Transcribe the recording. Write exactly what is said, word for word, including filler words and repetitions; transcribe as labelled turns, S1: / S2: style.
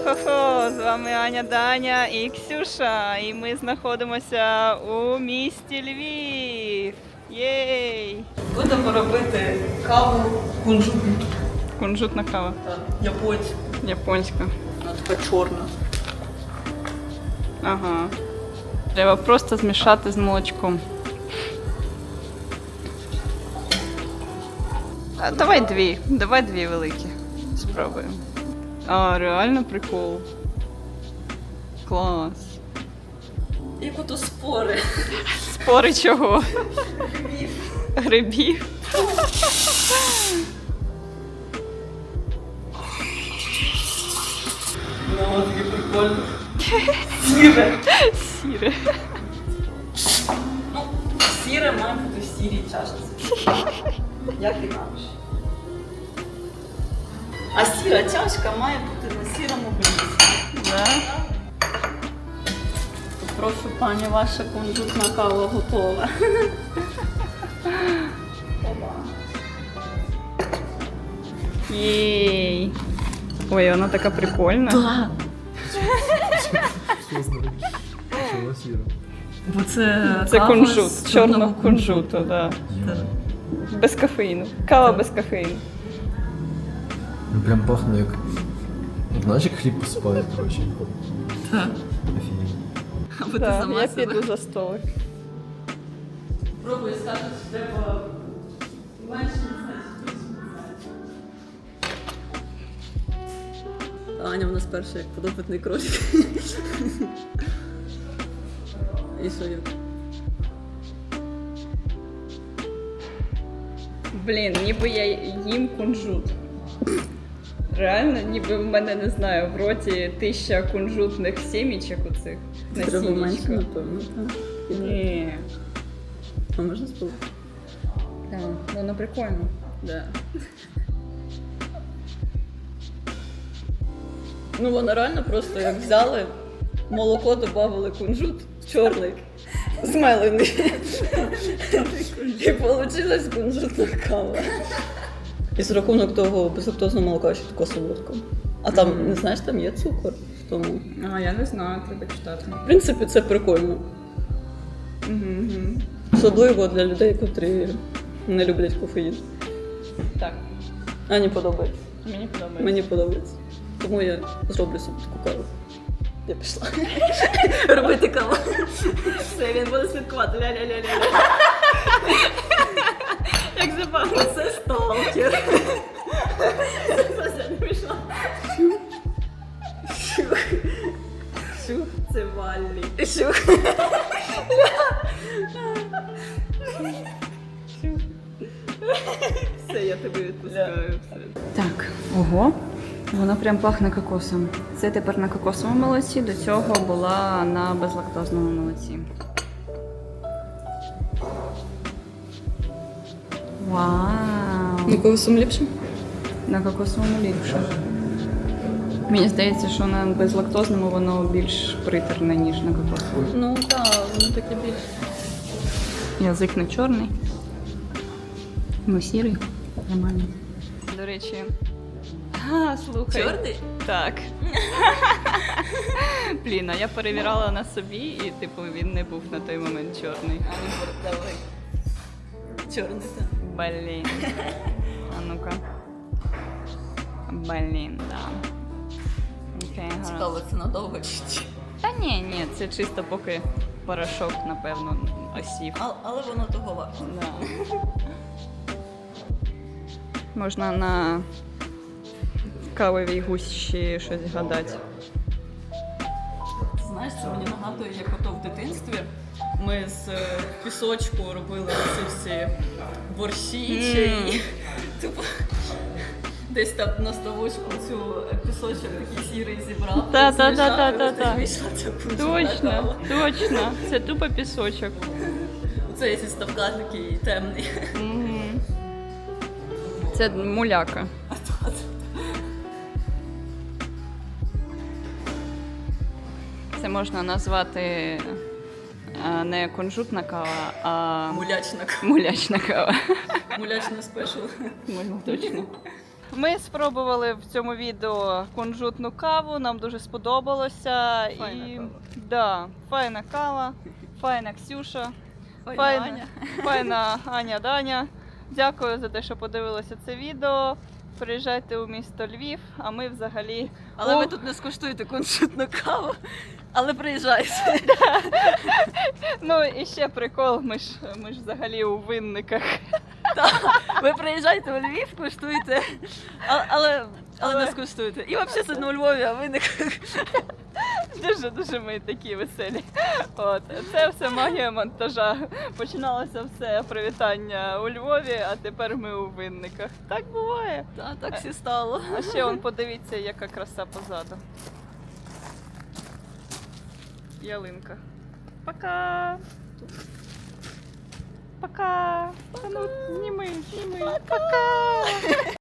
S1: Хо-хо-хо! З вами Аня, Даня і Ксюша. І ми знаходимося у місті Львів. Єй!
S2: Будемо робити каву кунжутну.
S1: Кунжутна кава.
S2: Так, японську.
S1: Японська.
S2: Вона така чорна.
S1: Ага. Треба просто змішати з молочком. А, давай дві. Давай дві великі. Спробуємо. А, реально прикол. Клас.
S2: Як ото спори.
S1: Спори чого?
S2: Грибів.
S1: Грибів.
S2: Ну, таке прикольно. Сіре.
S1: Сіре.
S2: Ну, сіре має бути в сірій чашці. Як інакше. А сіра чашка має бути на сірому блюді.
S1: Да?
S2: Прошу, пані, ваша кунжутна кава готова. Опа.
S1: Єй. Ой, вона така прикольна.
S2: Да.
S3: Що знає? Чого сіро?
S2: Бо це,
S1: Це
S2: кава
S1: кунжут,
S2: з
S1: з чорного
S2: чорного
S1: кунжуту, да. Без кофеїну. Кава без кофеїну.
S3: Ну прям пахне як... Знаєш, як хліб посипають, коротше.
S2: Так.
S3: Офігенно.
S2: Або ти
S1: Так,
S2: сама
S1: я
S2: себе.
S1: піду за столик.
S2: Пробуй, скажеш, що треба менше не знати. Аня в нас перша як подопитний кролик. І що як?
S1: Блін, ніби я їм кунжут. Реально, ніби в мене, не знаю, в роті тисяча кунжутних сімічок оцих.
S2: Треба менше,
S1: Насіннячка.
S2: напевно, так.
S1: Ні.
S2: А можна спробувати?
S1: Так, воно прикольно.
S2: Да. Ну, воно реально просто як взяли, молоко додавали кунжут чорний, змелений. І вийшла кунжутна кава. І з рахунок того безлактозного молока ще тако солодко. А там,
S1: Мгм.
S2: не знаєш, там є цукор в тому.
S1: А, я не знаю, треба читати.
S2: В принципі, це прикольно.
S1: Угу.
S2: Особливо для людей, котрі не люблять кофеїн.
S1: Так,
S2: Ані подобається.
S1: мені подобається.
S2: Мені подобається. Тому я зроблю собі таку каву. Я пішла. Робити каву. Все, він буде слідкувати. Ля-ля-ля-ля.
S1: Як забавно.
S2: Це сталкер. Все, не пішла. Щух. Щух, це Валлі. Щух. Все, я тебе відпускаю. Все.
S1: Так, ого, воно прям пахне кокосом. Це тепер на кокосовому молоці, до цього була на безлактозному молоці. Вау!
S2: На кого сум ліпше?
S1: На кокосовому ліпше. Мені здається, що на безлактозному воно більш притерне, ніж на кокосовому.
S2: Ну так, воно таке більше.
S1: Язик не чорний. Ну, сірий. Нормально. До речі. А, слухай.
S2: Чорний?
S1: Так. Блін, а я перевіряла на собі і, типу, він не був на той момент чорний.
S2: А ну давай. Чорний, так.
S1: Блін. А ну-ка. Блін, да. Окей, гаразд.
S2: Цікаво, це надовго чи ні?
S1: Та ні, ні, це чисто поки порошок, напевно, осів.
S2: А- Але воно того варто.
S1: Да. Можна на кавовій гущі щось гадати.
S2: Знаєш, це мені нагадує, як ото в дитинстві ми з е, пісочку робили ці всі борщі чи
S1: Мм.
S2: типу, десь там на ставочку цю пісочок такий сірий зібрав.
S1: Та, та,
S2: змішав,
S1: та,
S2: і
S1: та,
S2: ось
S1: та.
S2: так вийшла ця кунжутна
S1: Точно,
S2: кава.
S1: точно. Це тупо пісочок.
S2: Оцей зі ставка такий темний.
S1: Мгм. Це муляка. Це можна назвати а, не кунжутна кава, а
S2: Мулячна кава.
S1: мулячна кава.
S2: Мулячна спешл.
S1: Можна точно. Ми спробували в цьому відео кунжутну каву, нам дуже сподобалося.
S2: Файна
S1: і
S2: кава.
S1: Да, файна кава, файна Ксюша,
S2: Файна
S1: файна
S2: Аня.
S1: файна Аня Даня. Дякую за те, що подивилися це відео. Приїжджайте у місто Львів, а ми взагалі.
S2: Але
S1: О,
S2: ви тут не скуштуєте кунжутну каву, але приїжджайте.
S1: Ну і ще прикол, ми ж ми ж взагалі у винниках.
S2: Ви приїжджайте у Львів, куштуйте, але, але, але
S1: Але-
S2: не скуштуйте. І взагалі це не у Львові, а ви не
S1: Дуже дуже ми такі веселі. От це все магія монтажа. Починалося все привітання у Львові, а тепер ми у винниках. Так буває.
S2: Та, так всі стало.
S1: А ще он подивіться, яка краса позаду. Ялинка. Пока. Пока. Та ну, зніми, зніми. Пока.